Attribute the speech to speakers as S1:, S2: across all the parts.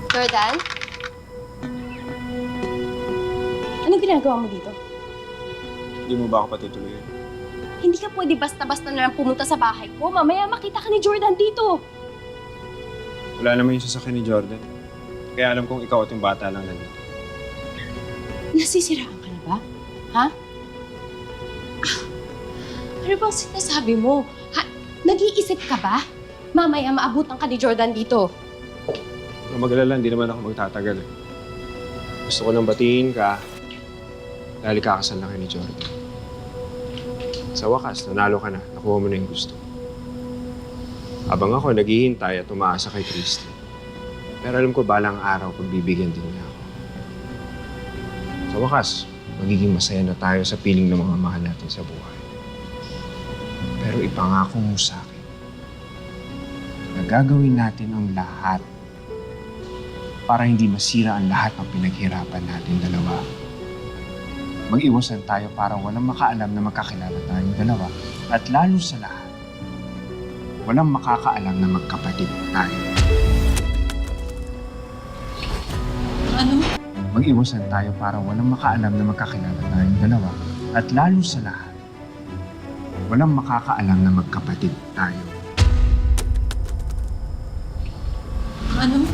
S1: Jordan? Anong ginagawa mo dito?
S2: Hindi mo ba ako patutuloyin?
S1: Hindi ka pwede basta-basta na lang pumunta sa bahay ko. Mamaya makita ka ni Jordan dito.
S2: Wala naman yung sasakyan ni Jordan. Kaya alam kong ikaw at yung bata lang nandito.
S1: Nasisiraan ka na ba? Ha? Ano bang sinasabi mo? Ha? Nag-iisip ka ba? Mamaya maabutan ka ni Jordan dito.
S2: Kung mag-alala, hindi naman ako magtatagal. Gusto ko lang batiin ka dahil kakasal na kayo ni Jordan. Sa wakas, nanalo ka na. Nakuha mo na yung gusto. Habang ako, naghihintay at umaasa kay Christy. Pero alam ko, balang araw, pagbibigyan din niya ako. Sa wakas, magiging masaya na tayo sa piling ng mga mahal natin sa buhay. Pero ipangako mo sa akin na gagawin natin ang lahat para hindi masira ang lahat ng pinaghirapan natin dalawa. Mag-iwasan tayo para walang makaalam na magkakilala tayong dalawa. At lalo sa lahat, walang makakaalam na magkapatid tayo.
S3: Ano?
S2: Mag-iwasan tayo para walang makaalam na magkakilala tayong dalawa. At lalo sa lahat, walang makakaalam na magkapatid tayo.
S3: Ano?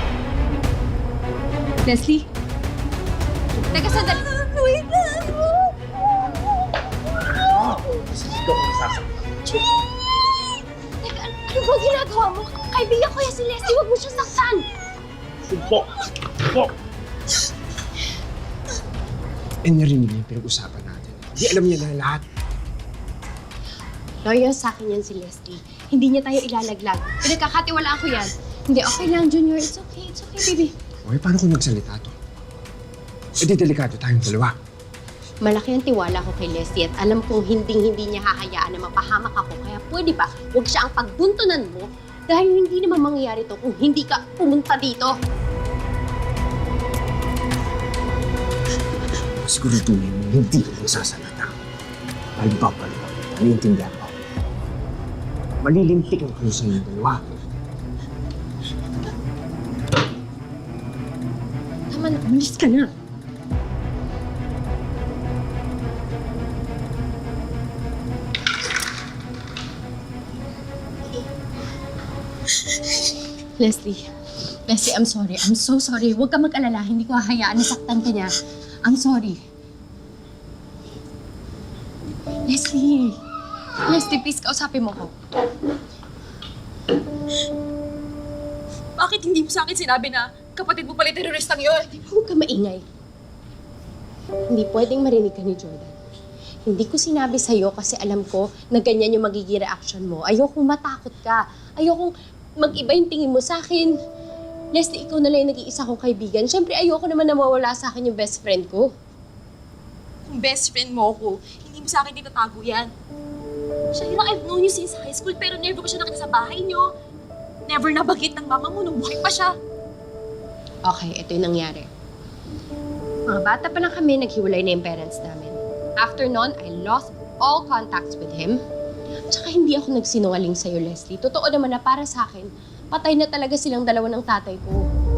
S1: Leslie? Teka, sandali. Wait lang. Teka, ano ba ginagawa mo? Kaibigan ko yan si Leslie. Huwag mo siya saktan.
S2: Sumpok! Sumpok! Eh, narinig niya yung pinag-usapan natin. Hindi alam niya na lahat.
S1: Loyal sa akin yan si Leslie. Hindi niya tayo ilalaglag. Pinagkakatiwalaan ko yan. Hindi, okay lang, Junior. It's okay, baby.
S2: Okay, paano kung nagsalita to? Eh, di delikado tayong dalawa.
S1: Malaki ang tiwala ko kay Leslie at alam kong hindi niya hahayaan na mapahamak ako. Kaya pwede ba, huwag siya ang pagbuntunan mo dahil hindi naman mangyayari to kung hindi ka pumunta dito.
S2: Siguraduhin mo, hindi ka magsasalita. Palibak-palibak. Naiintindihan mo. Malilimpik ang kayo sa inyong dalawa.
S1: Tama na, umalis ka na. Leslie, I'm sorry. I'm so sorry. Huwag ka mag-alala. Hindi ko hahayaan na saktan ka niya. I'm sorry. Leslie, please, kausapin mo ko.
S3: Bakit hindi mo sa akin sinabi na kapatid mo pala teroristang yun?
S1: Huwag ka maingay. Hindi pwedeng marinig ka ni Jordan. Hindi ko sinabi sa'yo kasi alam ko na ganyan yung magiging reaction mo. Ayokong matakot ka. Ayokong mag-iba yung tingin mo sa akin. Leslie, ikaw na lang yung nag-iisa kong kaibigan. Siyempre, ayoko naman na mawala sa akin yung best friend ko.
S3: Kung best friend mo ako, hindi mo sa akin itatago yan. Shaira, I've known you since high school pero never ko siya nakita sa bahay niyo. Never nabagit ng mama mo nung buhay pa siya.
S1: Okay, ito yung nangyari. Mga bata pa lang kami, naghiwalay na yung parents namin. After nun, I lost all contacts with him. Tsaka hindi ako nagsinungaling sa'yo, Leslie. Totoo naman na para sa akin, patay na talaga silang dalawa ng tatay ko.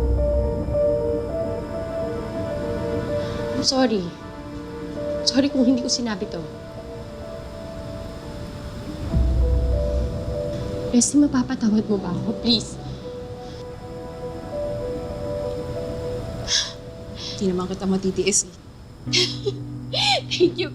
S1: I'm sorry. Sorry kung hindi ko sinabi to. Leslie, mapapatawad mo ba ako? Please.
S3: Hindi naman kita matitiis eh.
S1: Thank you.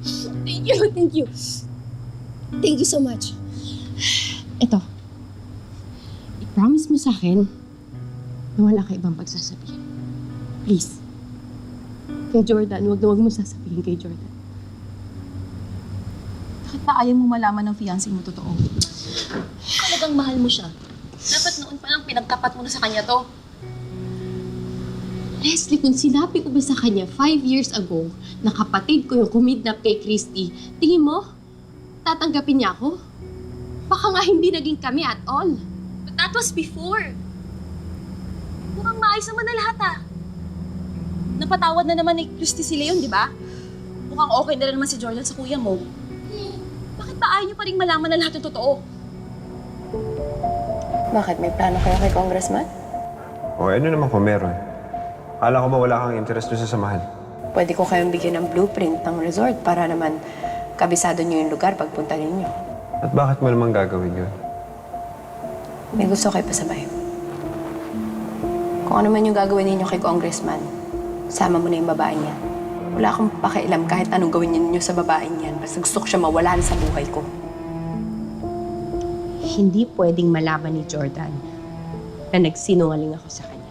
S1: Thank you so much. Ito. I-promise mo sa akin na wala ka ibang pagsasabihin. Please. Kay Jordan, huwag mo sasabihin kay Jordan.
S3: Bakit pa ayaw mo malaman ng fiancé mo totoo? Talagang mahal mo siya. Dapat noon pa lang pinagtapat mo na sa kanya to.
S1: Leslie, kung sinabi ko ba sa kanya 5 years ago na kapatid ko yung kumidnap kay Christy, tingin mo, tatanggapin niya ako? Baka nga hindi naging kami at all.
S3: But that was before. Mukhang maayos naman na lahat ah. Napatawad na naman ni Christy si Leon, di ba? Mukhang okay na rin naman si Jordan sa kuya mo. Bakit ba ayaw niyo pa rin malaman na lahat ng totoo?
S1: Bakit? May plano kayo kay Congressman?
S2: O ano naman kung meron? Akala ko ba wala kang interest doon sa samahan?
S1: Pwede ko kayong bigyan ng blueprint ng resort para naman kabisado niyo yung lugar pagpunta ninyo.
S2: At bakit mo naman gagawin yun?
S1: May gusto kayo pasabay. Kung ano man yung gagawin ninyo kay Congressman, sama mo na yung babae niya. Wala akong pakialam kahit anong gawin ninyo sa babae niyan. Basta gusto ko siya mawala sa buhay ko. Hindi pwedeng malaman ni Jordan na nagsinungaling ako sa kanya.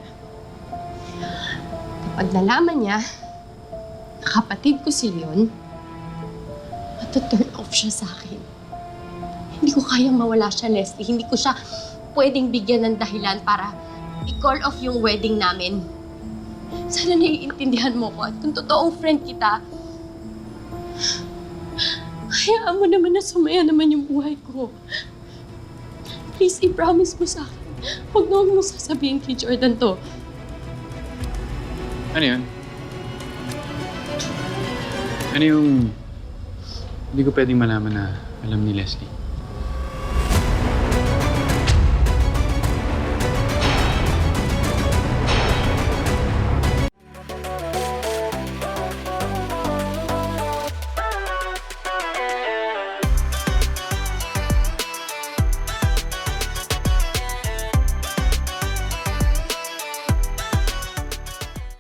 S1: Kapag nalaman niya na kapatid ko si Leon, matuturn off siya sa akin. Hindi ko kayang mawala siya, Leslie. Hindi ko siya pwedeng bigyan ng dahilan para i-call off yung wedding namin. Sana naiintindihan mo ko at kung totoong friend kita, hayaan mo naman na sumaya naman yung buhay ko. Please, i-promise mo sa akin. Huwag na huwag mo sasabihin kay Jordan to.
S4: Ano yun? Ano yung hindi ko pwedeng malaman na alam ni Leslie?